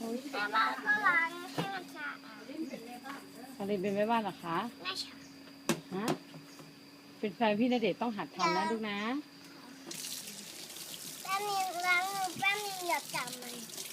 แต่บ้านก็ล้างให้มันสะอาดอลินเป็นแม่บ้านเหรอคะไม่ใช่ฮะเป็นแฟนพี่ณเดชน์ต้องหัดทำนะลูกนะแป๊บนึงล้างมือแป๊บนึงอย่าจับมัน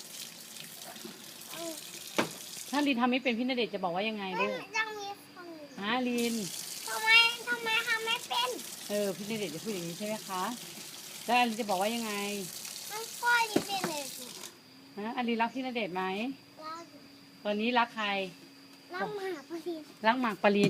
ถ้าลินทำไม่เป็นพี่ณเดชน์จะบอกว่ายังไงลูกต้องมีคนฮะลินทำไมทำไม่เป็นพี่ณเดชน์จะพูดอย่างนี้ใช่ไหมคะแล้วอลินจะบอกว่ายังไงมันค่อยดีเป็นเลยฮะอลินรักพี่ณเดชน์ไหมล้างตอนนี้รักใครล้างหมาพอดีรักหมากปริน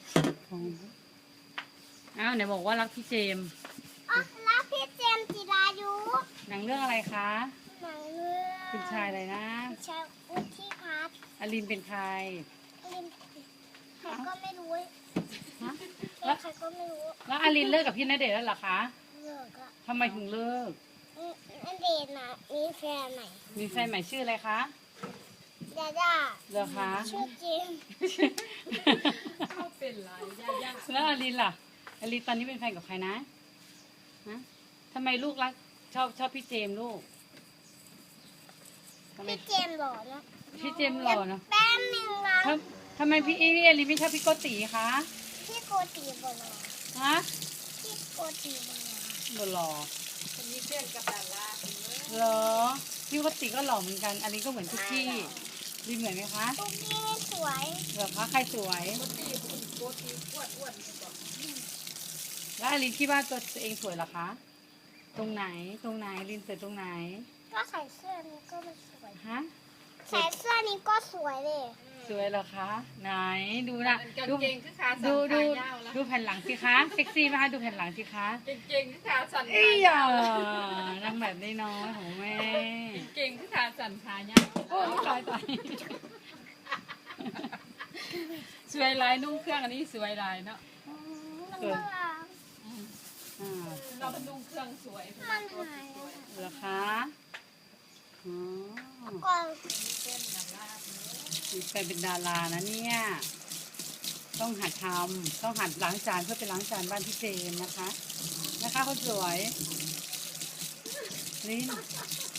อ้าวไหนบอกว่ารักพี่เจมส์อ๋อแล้วพี่เจมส์จิรายุหนังเรื่องอะไรคะหนังเรื่องคุณชายอะไรนะชายอุทิพัฒน์อลินเป็นใครลินใครก็ไม่รู้ฮะเป็นใครก็ไม่รู้แล้วอลินเลิกกับพี่ณเดชน์แล้วเหรอคะเลิกอะทำไมถึงเลิกนั่นเดนนะมีแฟนใหม่มีแฟนใหม่ชื่ออะไรคะดาด้าเหรอคะชื่อจริงเขาเป็นไรย่าแล้วอลินล่ะอลินตอนนี้เป็นแฟนกับใครนะฮะทำไมลูกรักชอบพี่เจมส์ลูกทำไมพี่เจมส์หล่อเนอะพี่เจมส์หล่อเนอะแป๊บนึงนะทำไมพี่อลินไม่ชอบพี่โกติคะพี่โกติบหล่อฮะพี่โกติบหล่อหล่อๆคนนี้เพื่อนกับดาราคนนี้เหรอพี่โกติก็หล่อเหมือนกันอลินก็เหมือนทุกที่ลินเหมือนไหมคะตุ๊กกี้นี่สวยเหรอคะใครสวยโกตีคุณโกตีอ้วนๆก่อนแล้วอลินคิดว่าตัวเองสวยเหรอคะตรงไหนลินสวยตรงไหนก็ใส่เสื้อนี้ก็ไม่สวยฮะใส่เสื้อนี้ก็สวยเลยสวยเหรอคะไหนดูนะกางดูเกงคือขาสั้นดูขายาวแล้วดูแผ่นหลังสิคะเซ็กซี่ไหมคะดูแผ่นหลังสิคะกางเกงคือขาสั้นเอ้ขาย ยาวนางแบบได้น้อยของแม่กางเกงคือขาสั้นขายาวโอ้ตายสวยลายนุ่งเครื่องอันนี้สวยลายเนาะมันก็ล้างอ่าเราเป็นนุ่งเครื่องสวยมันหายเหรอคะอ๋อก่อนมีแฟนเป็นดารานะเนี่ย ต้องหัดทำต้องหัดล้างจานเพื่อไปล้างจานบ้านพี่เจมส์นะคะ นะคะคนสวยลิน